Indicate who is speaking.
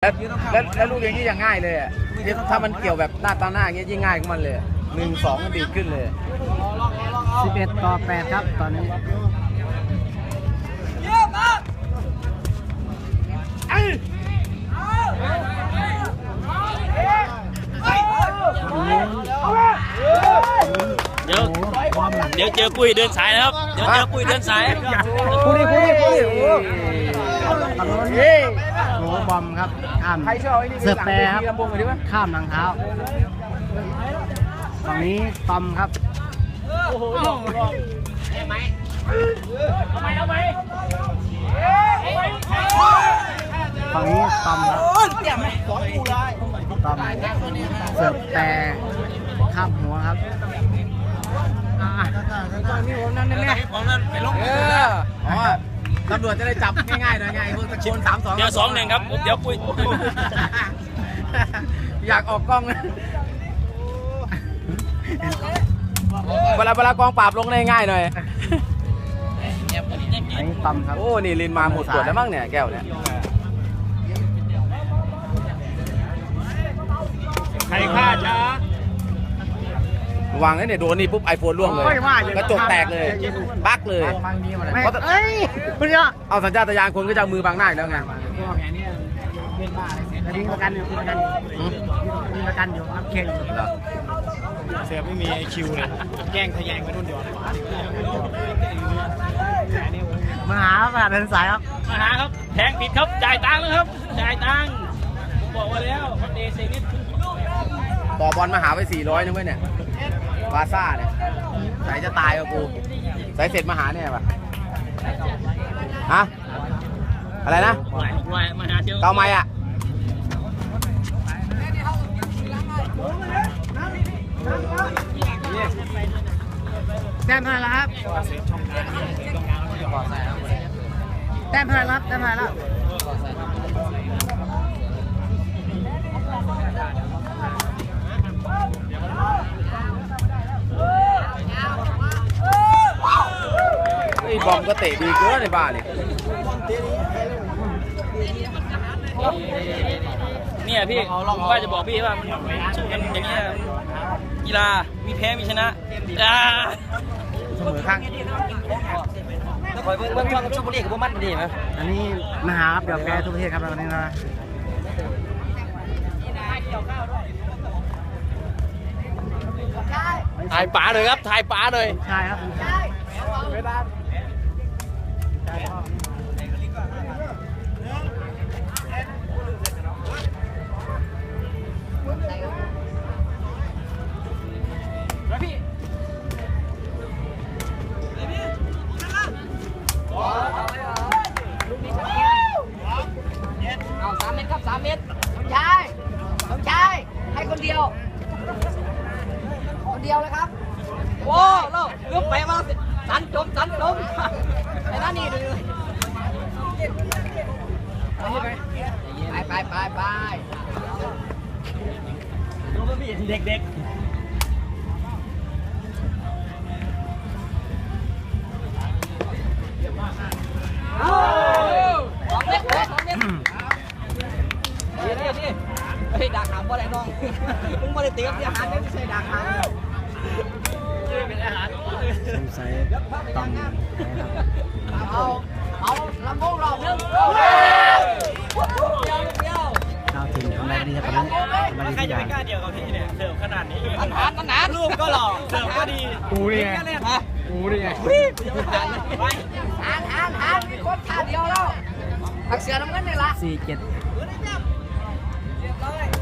Speaker 1: แล้วลูกอย่างนี้อย่างง่ายเลยอ่ะถ้ามันเกี่ยวแบบหน้าตาหน้าอย่างเงี้ยยิ่งง่ายของมันเลย1-2มันดีขึ้นเลย
Speaker 2: 11-8ครับตอนนี้
Speaker 3: เดี๋ยวเจอปุ้ยเดินสายนะครับเดี๋ยวเจอปุ้ยเดินสาย
Speaker 1: คุย
Speaker 2: โหบอมครับข้ามเสิร์ฟแปรครับข้ามหลังเท้าฝั่งนี้ตอมครับฝั่งนี้ตอมครับตอมเสิร์ฟแปรข้ามหัวครับนี่ผมนั่นแน่ผมนั่นไปลง
Speaker 1: ตำรวจจะได้จับง่ายๆหน่อยไงพวกตะโกน3-2
Speaker 3: เดี๋ยว2-1ครับเดี๋ยวปุ้ย
Speaker 1: อยากออกกล้องเวลากองปราบลงได้ง่ายหน่อย
Speaker 2: อันนี้ต่ำครับ
Speaker 1: โอ้นี่ลินมาหมดขวดแล้วมั้งเนี่ยแก้วเนี่ย
Speaker 3: ใครฆ่าช้
Speaker 1: าวางแล้วเนี่ยโดนนี่ปุ๊บไอโฟนร่วงเลยกระจกแตกเลยบั๊กเลย
Speaker 2: เอ้ยคุณเนี่ย
Speaker 1: เอาสัญชาตญาณคนก็จะมือบังหน้าแล้วไง
Speaker 2: ยิงประกันอยู่ยิงประกันอยู่รับเคน
Speaker 3: เสียไม่มีไอคิวเลยแย่งทะแยงไปนู่นเดียว
Speaker 2: มาหาประเดินสายครับ
Speaker 3: มาหาครับแทงผิดครับจ่ายตังค์แล้วครับจ่ายตังค์บอกว่าแล้วเดซนิด
Speaker 1: ต่อบอลมาหาไป400นึงเว้ยเนี่ยวาซ่าเนี่ยใส่จะตายกับกูใส่เสร็จมาหาเนี่ยป่ะฮะอะไรนะเกาไม้อ่ะ
Speaker 2: แต้มเท่าไหร่แล้วครับแต้มเท่าไหร่แล้วแต้มเท่าไหร่แล้ว
Speaker 1: ไอ้บอมก็เตะดีเกินในบ้าน
Speaker 3: เนี่ยพี่ผมว่าจะบอกพี่ว่ามันสู้กันอย่างนี้กีฬามีแพ้มีชนะ
Speaker 1: เสมอข้าง
Speaker 3: แล้วคอยเบิ้งช่องกับชุบบุรีกับพวกมันดีไหม
Speaker 2: อันนี้มหาครับเดี๋ยวแกทุกประเทศครับวันนี้นะ
Speaker 3: ถ่ายป๋าเลยครับถ่ายป๋าเลย
Speaker 2: ใช่ครับ
Speaker 4: เอา3 เมตรครับ3 เมตรต้องใช้ให้คนเดียวเลยครับโว้โลกเลือกไปมาสันจมไอ้นั่นนี่เลยไป
Speaker 3: ดูมันมีเด็ก
Speaker 4: 2 เมตรนี่เฮ้ยดักหางบ่ได้น้องมึงบ่ได้เตรียมอาหารไม่ใช่ดักหาง
Speaker 3: เป็นอาหาร
Speaker 2: ใส่ต้อง
Speaker 4: เอาลำโพงรอบนึงเดียว
Speaker 2: ดาวถึงทำอะไรดีครับตอนนี้
Speaker 3: ใครจะไปกล้าเดียวกับพี่เนี่ยเสิร์ฟขนาดนี้
Speaker 4: มันหนา
Speaker 3: รูปก็หล่อเสิร์ฟก็ดี
Speaker 2: กูนี่ไง
Speaker 4: หามีคนท่าเดียวแล้วผักเสือน้ำเงินนี่ละ
Speaker 2: 47